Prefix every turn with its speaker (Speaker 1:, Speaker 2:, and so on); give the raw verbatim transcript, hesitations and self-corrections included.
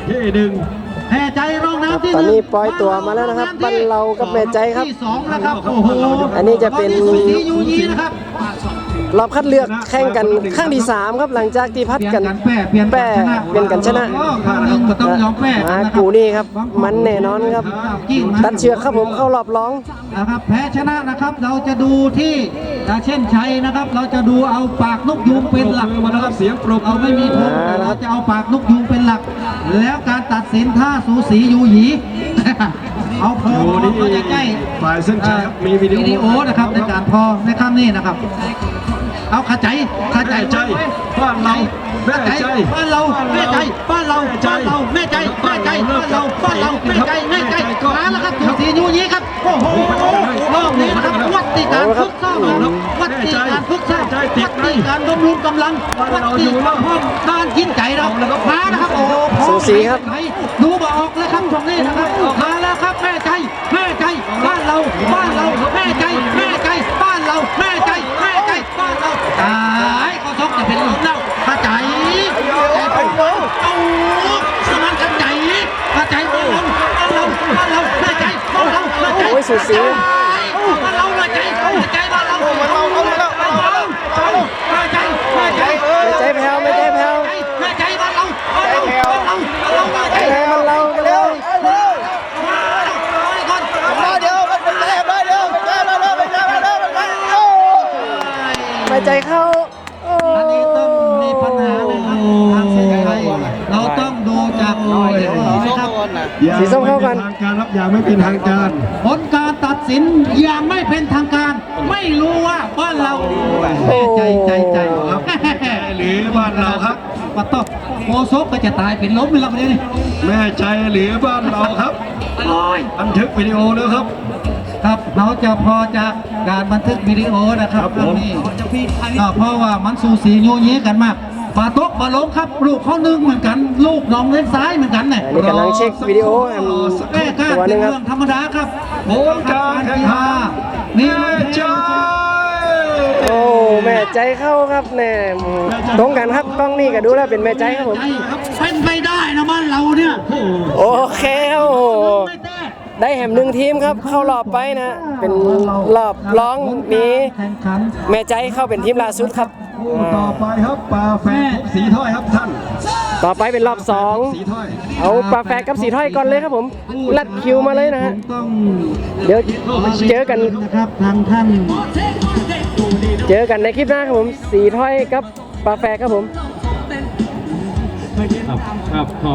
Speaker 1: ที่หนึ่งแม่ใจรองน้ำที่ห
Speaker 2: ตอน
Speaker 1: นึ่ง
Speaker 2: นี้ปล่อยตัวมาแล้วนะครับบ้านเรากับแม่ใจครับ
Speaker 1: ที่สองนะครับโอ้โห
Speaker 2: อันนี้จะเป็น
Speaker 1: สูสียูยีนะครับ
Speaker 2: รอบคัดเลือกแข่งกันครั้งที่สามครับหลังจากที่พัดกัน
Speaker 1: แป้เปลี่ยน
Speaker 2: แป้เปลี่ยนกันชนะ
Speaker 1: ครั้งหนึ่งก็ต้องยอมแป้
Speaker 2: มากูนี่ครับมันแน่นอนครับตัดเชือกครับผมเข้ารอบร้อง
Speaker 1: นะครับแพ้ชนะนะครับเราจะดูที่เช่นชัยนะครับ เราจะดูเอาปากนกยูงเป็นหลักนะครับเสียงปรบเราไม่มีทุนเราจะเอาปากนกยูงเป็นหลัก แล้วการตัดสินท่าสูสียูหยีเอาพอเขาจะใกล้ฝ่ายเส้นชัยมีวิดีโอนะครับในการพอในครั้งนี้นะครับเอาขาใจขาใจใจบ้านเราแม่ใจบ้านเราแม่ใจบ้านเราบ้านเราแม่ใจแม่ใจบ้านเราบ้านเราแม่ใจแม่ใจมาแล้วครับสูสียูหยีครับโอ้โหรอบนี้นะครับวัดที่การฝึกซ้อมวัดที่การฝึกซ้อมวัดที่การบำรุงกำลังวัดที่การกินใจเรามานะครับโอ้โห
Speaker 2: สูสีครับ
Speaker 1: ดูบอกแล้วครับตรงนี้นะครับมาแล้วครับแม่ใจแม่ใจบ้านเราบ้านเราแม่ใจแม่ใจบ้านเราแม่ใจแม่ใจบ้านเราตายก็ต้องจะเป็นลมแล้วข้าใจเอาสมานกันใจข้าใจบ้านเราบ้านเราบ้านเราแม่ใจบ้านเราแม่ใจ
Speaker 2: โอ้ยสูสี
Speaker 1: บ้านเราแม่ใจแม่ใจบ้านเราบ้านเราบ้านเราแม่ใจแม่ใจ
Speaker 2: ไม่ใจแผ่วไม่ใจแผ่ว
Speaker 1: แม่ใจบ้านเราบ้านเราบ้านเราบ้านเราแม่ใจ
Speaker 2: แผ่วมันเราไปเลย
Speaker 3: มาเดี๋ยวมันเป็นแก้มาเดี๋ยวเป็นแก้มาเดี๋ยวเป็นแก้มาเดี๋ยวเป็นแก้โอ้
Speaker 2: ไม่ใจเข้าโอ้
Speaker 1: อันนี้ต้องมีปัญหาเลยครับทางเส้นชัยเราต้องดูจากรอยนะครับ
Speaker 2: สีส้มเข้ากัน
Speaker 4: ทางการรับอย่างไม่เป็นทางการ
Speaker 1: ผลการตัดสินอย่างไม่เป็นทางการ ไม่รู้ว่าบ้านเราใจใจใจครับ
Speaker 4: หรือบ้านเราครับ
Speaker 1: ปัตโต้โมโซกก็จะตายเป็นล้มไปแล้วคนนี้นี่
Speaker 4: แม่ใจหรือบ้านเราครับบันทึกวิดีโอแล้วครับ
Speaker 1: ครับเราจะพอจากการบันทึกวิดีโอนะครับ
Speaker 4: ครับผม
Speaker 1: นี่ก็เพราะว่ามันสูสีโยเยกันมากปาโต๊ะปาล้มครับลูกเขาหนึ่งเหมือนกัน ลูกน้องเล่นซ้ายเหมือนกันเนี่ย
Speaker 2: อันนี้กำลังเช็ควิดีโอแอม
Speaker 1: แม่ก้า
Speaker 2: ตัวห
Speaker 1: เป็
Speaker 2: นึ
Speaker 1: น
Speaker 2: งครับ
Speaker 1: เรื่องธรรมดาครับ
Speaker 4: ผลการแข่งขัน
Speaker 1: นี่
Speaker 4: แม่ใจ
Speaker 2: โอ้แม่ใจเข้าครับแน่ตรงกันครับกล้องนี่ก็ดูแล้วเป็นแม่ใจครับผม
Speaker 1: เป็นไปได้นะบ้านเราเนี่ย
Speaker 2: โอเคครับโอ้โห
Speaker 1: ไม่ได้
Speaker 2: ได้แหมหนึ่งทีมครับเข้ารอบไปนะ เป็นรอบร้องมี
Speaker 1: แข่งขัน
Speaker 2: แม่ใจเข้าเป็นทีมล่าสุดครับ
Speaker 4: คู่ต่อไปครับปลาแฟนสีถ้อยครับท่าน
Speaker 2: ต่อไปเป็นรอบสอง
Speaker 4: สีถ้อย
Speaker 2: เอาปลาแฝดกับสีถ้อยก่อนเลยครับผมลัดคิวมาเลยนะฮะ
Speaker 1: ต้อง
Speaker 2: เดี๋ยวเจอกัน
Speaker 1: นะครับทางท่าน
Speaker 2: เจอกันในคลิปหน้าครับผมสีถ้อยกับปลาแฝดครับผม
Speaker 4: ครับครับ